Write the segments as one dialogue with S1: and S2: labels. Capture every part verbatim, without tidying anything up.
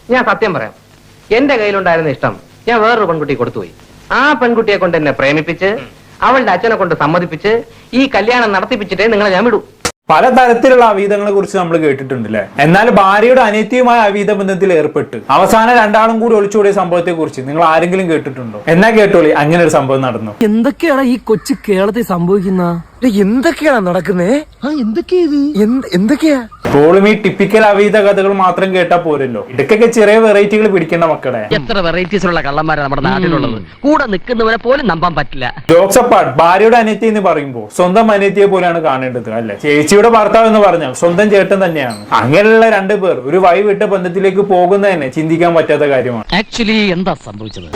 S1: ഞാൻ സത്യം പറയാം, എന്റെ കയ്യിലുണ്ടായിരുന്ന ഇഷ്ടം ഞാൻ വേറൊരു പെൺകുട്ടിയെ കൊടുത്തുപോയി. ആ പെൺകുട്ടിയെ കൊണ്ട് എന്നെ പ്രേമിപ്പിച്ച് അവളുടെ അച്ഛനെ കൊണ്ട് സമ്മതിപ്പിച്ച് ഈ കല്യാണം നടത്തിപ്പിച്ചിട്ടേ നിങ്ങളെ ഞാൻ വിടൂ.
S2: പലതരത്തിലുള്ള അവീതങ്ങളെ കുറിച്ച് നമ്മൾ കേട്ടിട്ടുണ്ട് അല്ലെ. എന്നാൽ ഭാര്യയുടെ അനിത്യവുമായ അവീത ബന്ധത്തിൽ ഏർപ്പെട്ട് അവസാനം രണ്ടാളും കൂടി ഒളിച്ചോടിയ സംഭവത്തെ കുറിച്ച് നിങ്ങൾ ആരെങ്കിലും കേട്ടിട്ടുണ്ടോ? എന്നാ കേട്ടോളി, അങ്ങനെ ഒരു സംഭവം നടന്നു.
S3: എന്തൊക്കെയാണ് ഈ കൊച്ചു കേരളത്തിൽ സംഭവിക്കുന്ന? എന്തൊക്കെയാണ് നടക്കുന്നേ? എന്തൊക്കെയാ?
S2: ഇപ്പോഴും ഈ ടിപ്പിക്കൽ അവീത കഥകൾ മാത്രം കേട്ടാ പോരല്ലോ, ഇടയ്ക്കൊക്കെ ചെറിയ വെറൈറ്റികൾ പിടിക്കേണ്ട മക്കളെ.
S3: എത്ര വെറൈറ്റീസിലുള്ള കള്ളന്മാരാണ് നമ്മുടെ നാട്ടിലുള്ളത്. കൂടെ നിൽക്കുന്നവരെ പോലും നമ്പാൻ പറ്റില്ല.
S2: ജോക്സ് അപ്പാർട്ട്, ഭാര്യയുടെ അനിയത്തി എന്ന് പറയുമ്പോൾ സ്വന്തം അനിയത്തിയെ പോലെയാണ് കാണേണ്ടത് അല്ലെ. ചേച്ചിയുടെ ഭർത്താവ് എന്ന് പറഞ്ഞാൽ സ്വന്തം ചേട്ടൻ തന്നെയാണ്. അങ്ങനെയുള്ള രണ്ടു പേർ ഒരു വഴി വിട്ട ബന്ധത്തിലേക്ക് പോകുന്നത് തന്നെ ചിന്തിക്കാൻ പറ്റാത്ത കാര്യമാണ്.
S3: ആക്ച്വലി എന്താ സംഭവിച്ചത്?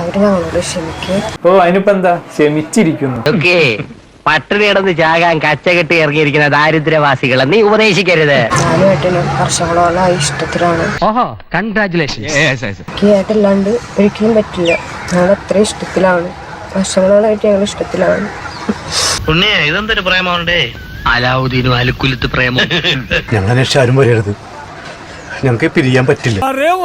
S2: ഓ, അതിനിപ്പോ എന്താ, ക്ഷമിച്ചിരിക്കുന്നു.
S1: പട്ടിണി കിടന്ന് ചാകാൻ കച്ചകെട്ടി ഇറങ്ങിയിരിക്കുന്ന ദാരിദ്ര്യവാസികളെ നീ ഉപദേശിക്കരുത്.
S4: വർഷങ്ങളോളായി ഇഷ്ടത്തിലാണ്.
S3: ഓഹോ, കൺഗ്രാറ്റുലേഷൻസ്.
S4: ഏട്ടല്ലാണ്ട് ഒരിക്കലും പറ്റില്ല. ഞങ്ങൾ അത്ര ഇഷ്ടത്തിലാണ്, വർഷങ്ങളോളായിട്ട് ഞങ്ങൾ ഇഷ്ടത്തിലാണ്.
S1: ഇതെന്തൊരു പ്രേമുണ്ടേ?
S3: അലാവുദ്ദീനും അലുക്കുലത്ത് പ്രേമം.
S5: ഞങ്ങൾ അന്വേഷിച്ച് ആരും വരരുത്, ഞങ്ങൾക്ക് പിരിയാൻ പറ്റില്ല.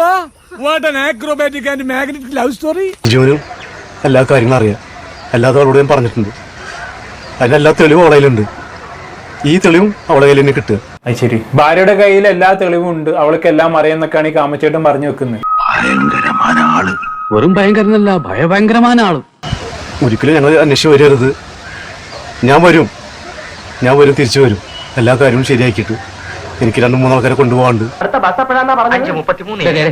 S5: ജീവനും എല്ലാ കാര്യങ്ങളും അറിയാം, എല്ലാതും അവളോട് ഞാൻ പറഞ്ഞിട്ടുണ്ട്. അതിനെല്ലാ തെളിവും അവളെ കയ്യിലുണ്ട്. ഈ തെളിവും അവളെ കയ്യിൽ തന്നെ കിട്ടുക.
S2: അത് ശരി, ഭാര്യയുടെ കയ്യിൽ എല്ലാ തെളിവും ഉണ്ട്, അവൾക്ക് എല്ലാം അറിയാന്നൊക്കെയാണ് ഈ കാമച്ചേട്ടൻ പറഞ്ഞു വെക്കുന്നത്.
S5: ഭയങ്കരമായ ആള്.
S3: വെറും ഭയങ്കരനല്ല, ഭയഭയങ്കരമായ ആള്.
S5: ഒരിക്കലും ഞങ്ങൾ അന്വേഷിച്ച് വരരുത്. ഞാൻ വരും, ഞാൻ വരും, തിരിച്ചു വരും. എല്ലാ കാര്യവും ശരിയാക്കിയിട്ട് എനിക്ക് രണ്ട് മൂന്നാൾക്കാരെ കൊണ്ടുപോകാണ്ട്.
S1: അടുത്ത ബസ് എപ്പോഴാണ് പറഞ്ഞത്?